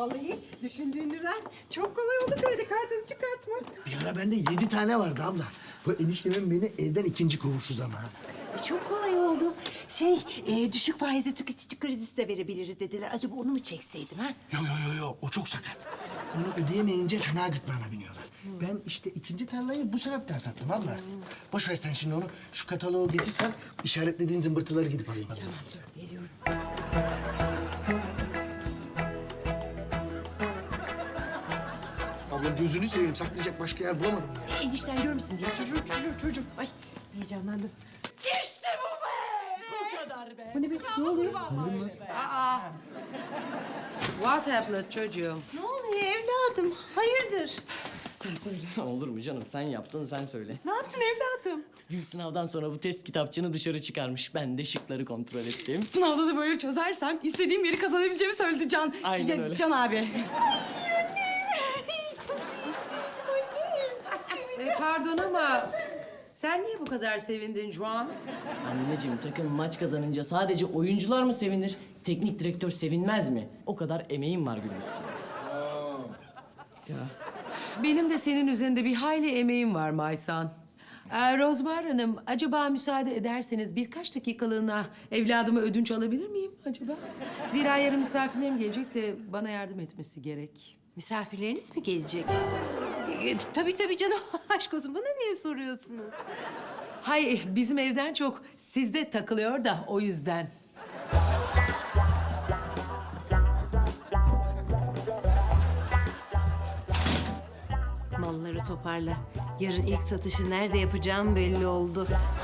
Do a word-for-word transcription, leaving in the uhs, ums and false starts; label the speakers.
Speaker 1: Vallahi düşündüğünden çok kolay oldu kredi kartını çıkartmak.
Speaker 2: Bir ara bende yedi tane vardı abla. Bu eniştemin beni evden ikinci kovuşsuz ama.
Speaker 1: E, çok kolay oldu. Şey, e, düşük faizli tüketici kredisi de verebiliriz dediler. Acaba onu mu çekseydim ha?
Speaker 2: Yo yo yo yo o çok sakat. Onu ödeyemeyince fena gırtlağına biniyorlar. Ben işte ikinci tarlayı bu sebepten sattım abla. Boş ver sen şimdi onu. Şu kataloğu getirsen işaretlediğin zımbırtıları gidip alayım. Hadi.
Speaker 1: Tamam dur, veriyorum.
Speaker 2: Abla gözünü seveyim saklayacak başka yer bulamadım ya.
Speaker 1: E, enişten görmesin diye çocuğum, çocuğum, çocuğum. Ay heyecanlandım.
Speaker 3: İşte bu be! Bu kadar be!
Speaker 1: Bu ne be? Ne oluyor?
Speaker 3: Aa! What happened çocuğum?
Speaker 1: Ne oluyor evladım? Hayırdır?
Speaker 4: Sen söyle. Olur mu canım? Sen yaptın, sen söyle.
Speaker 1: Ne yaptın evladım?
Speaker 4: Gül sınavdan sonra bu test kitapçığını dışarı çıkarmış. Ben de şıkları kontrol ettim.
Speaker 3: Sınavda da böyle çözersem istediğim yeri kazanabileceğimi söyledi Can.
Speaker 4: Aynen
Speaker 3: Ya,
Speaker 4: öyle.
Speaker 3: Can abi. E, pardon ama sen niye bu kadar sevindin Juan?
Speaker 4: Anneciğim takım maç kazanınca sadece oyuncular mı sevinir? Teknik direktör sevinmez mi? O kadar emeğim var Gül'ün. Ya
Speaker 3: Benim de senin üzerinde bir hayli emeğim var Maysan. Ee, Rozbar Hanım, acaba müsaade ederseniz birkaç dakikalığına evladımı ödünç alabilir miyim acaba? Zira yarın misafirlerim gelecek de bana yardım etmesi gerek.
Speaker 1: Misafirleriniz mi gelecek? E, tabii tabii canım. Aşk olsun bana niye soruyorsunuz?
Speaker 3: Hay bizim evden çok sizde takılıyor da o yüzden.
Speaker 1: Malları toparla. Yarın ilk satışı nerede yapacağım belli oldu.